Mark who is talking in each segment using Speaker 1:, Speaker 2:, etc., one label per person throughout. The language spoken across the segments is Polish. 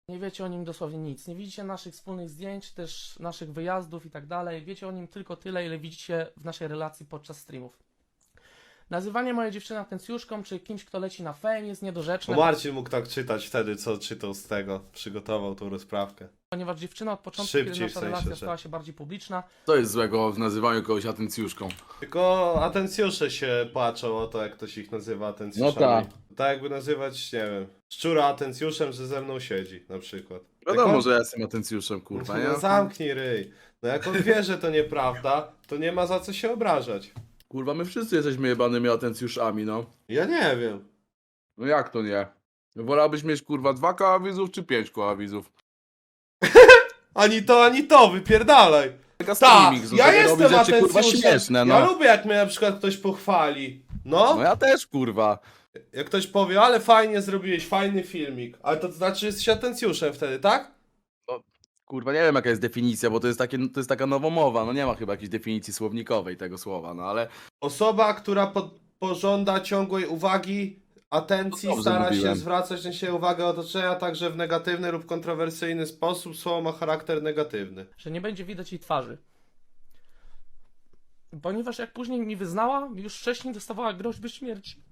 Speaker 1: Nie wiecie o nim dosłownie nic. Nie widzicie naszych wspólnych zdjęć, też naszych wyjazdów i tak dalej. Wiecie o nim tylko tyle, ile widzicie w naszej relacji podczas streamów. Nazywanie mojej dziewczyny atencjuszką, czy kimś, kto leci na fame, jest niedorzeczne,
Speaker 2: Bo Marcin mógł tak czytać wtedy, co czytał z tego. Przygotował tą rozprawkę.
Speaker 1: ponieważ dziewczyna od początku,
Speaker 2: Szybciej,
Speaker 1: kiedy
Speaker 2: w
Speaker 1: nasza
Speaker 2: sensie,
Speaker 1: relacja
Speaker 2: że-
Speaker 1: stała się bardziej publiczna,
Speaker 3: Co jest złego w nazywaniu kogoś atencjuszką?
Speaker 2: Tylko atencjusze się płaczą o to, jak ktoś ich nazywa atencjuszami.
Speaker 3: No tak.
Speaker 2: Tak jakby nazywać, nie wiem, szczura atencjuszem, że ze mną siedzi, na przykład.
Speaker 3: Wiadomo,
Speaker 2: Jak on-
Speaker 3: że ja jestem atencjuszem, kurwa, nie?
Speaker 2: No zamknij ryj. No jak on wie, że to nieprawda, to nie ma za co się obrażać.
Speaker 3: Kurwa, my wszyscy jesteśmy jebanymi atencjuszami, no.
Speaker 2: Ja nie wiem.
Speaker 3: No jak to nie? Wolałbyś mieć, kurwa, 2 koła widzów czy 5 koła widzów?
Speaker 2: Ani to, wypierdalaj.
Speaker 3: Taka
Speaker 2: Tak,
Speaker 3: streaming,
Speaker 2: ja
Speaker 3: robi
Speaker 2: jestem
Speaker 3: rzeczy, kurwa,
Speaker 2: atencjuszem.
Speaker 3: śmieszne, no.
Speaker 2: Ja lubię, jak mnie na przykład ktoś pochwali.
Speaker 3: No
Speaker 2: No,
Speaker 3: ja też, kurwa.
Speaker 2: jak ktoś powie, ale fajnie zrobiłeś, fajny filmik. Ale to znaczy, że jesteś atencjuszem wtedy, tak?
Speaker 3: Kurwa, nie wiem jaka jest definicja, bo to jest taka nowomowa, no nie ma chyba jakiejś definicji słownikowej tego słowa, no ale...
Speaker 2: Osoba, która pożąda ciągłej uwagi, atencji,
Speaker 3: No dobrze
Speaker 2: stara się
Speaker 3: mówiłem.
Speaker 2: zwracać na siebie uwagę otoczenia, także w negatywny lub kontrowersyjny sposób, słowo ma charakter negatywny.
Speaker 1: że nie będzie widać jej twarzy. Ponieważ jak później mi wyznała, już wcześniej dostawała groźby śmierci.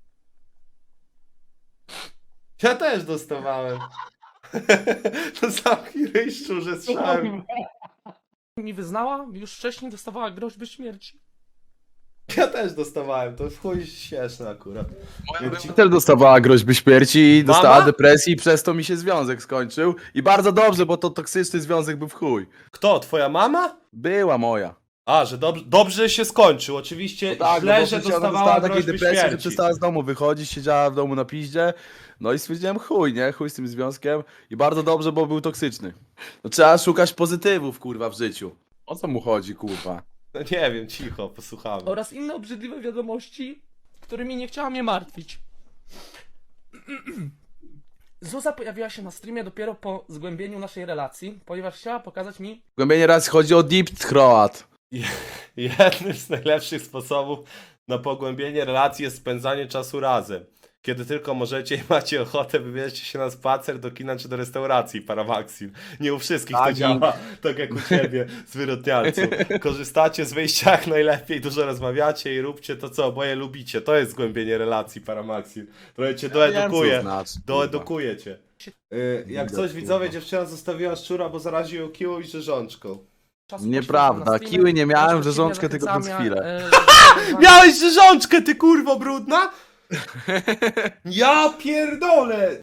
Speaker 2: Ja też dostawałem. To zamknij ryj, szczurze, strzałem.
Speaker 1: Mi wyznała, już wcześniej dostawała groźby śmierci.
Speaker 2: Ja też dostawałem, to w chuj śmieszne akurat. Jak ci-
Speaker 3: Też dostawała groźby śmierci i dostała
Speaker 2: Mama?
Speaker 3: depresji i przez to mi się związek skończył. I bardzo dobrze, bo to toksyczny związek był w chuj.
Speaker 2: Kto, twoja mama?
Speaker 3: Była moja.
Speaker 2: A, że dobrze się skończył, oczywiście
Speaker 3: No
Speaker 2: źle,
Speaker 3: bo
Speaker 2: że
Speaker 3: przecież ona
Speaker 2: dostawała
Speaker 3: takiej
Speaker 2: groźby
Speaker 3: depresji, że
Speaker 2: śmierci.
Speaker 3: przestała z domu wychodzić, siedziała w domu na piździe. No i stwierdziłem chuj, nie? Chuj z tym związkiem. I bardzo dobrze, bo był toksyczny. No trzeba szukać pozytywów, kurwa, w życiu. O co mu chodzi, kurwa?
Speaker 2: No nie wiem, cicho, posłuchamy.
Speaker 1: Oraz inne obrzydliwe wiadomości, którymi nie chciała mnie martwić. Zuza pojawiła się na streamie dopiero po zgłębieniu naszej relacji, ponieważ chciała pokazać mi,
Speaker 3: Głębienie raz chodzi o deep throat.
Speaker 2: Jednym z najlepszych sposobów na pogłębienie relacji jest spędzanie czasu razem. Kiedy tylko możecie i macie ochotę, wybierzcie się na spacer, do kina czy do restauracji Paramaxil. Nie u wszystkich to
Speaker 3: Tak,
Speaker 2: działa, tak jak u ciebie, zwyrodnialcu. Korzystacie z wyjścia jak najlepiej, dużo rozmawiacie i róbcie to, co oboje lubicie. To jest zgłębienie relacji Paramaxil. Trochę cię doedukuje.
Speaker 3: Wiem, co znaczy, kurwa.
Speaker 2: Doedukuje cię. Jak coś,
Speaker 3: Kurwa.
Speaker 2: widzowie, dziewczyna zostawiła szczura, bo zaraził ją kiłą i rzeżączką.
Speaker 1: czasu
Speaker 3: Nieprawda,
Speaker 1: poświęcam na streamy,
Speaker 3: kiły nie miałem,
Speaker 1: bądź
Speaker 3: rzeżączkę tylko przez
Speaker 1: zachęcania,
Speaker 3: chwilę.
Speaker 2: Miałeś rzeżączkę, ty kurwo brudna? Ja pierdolę!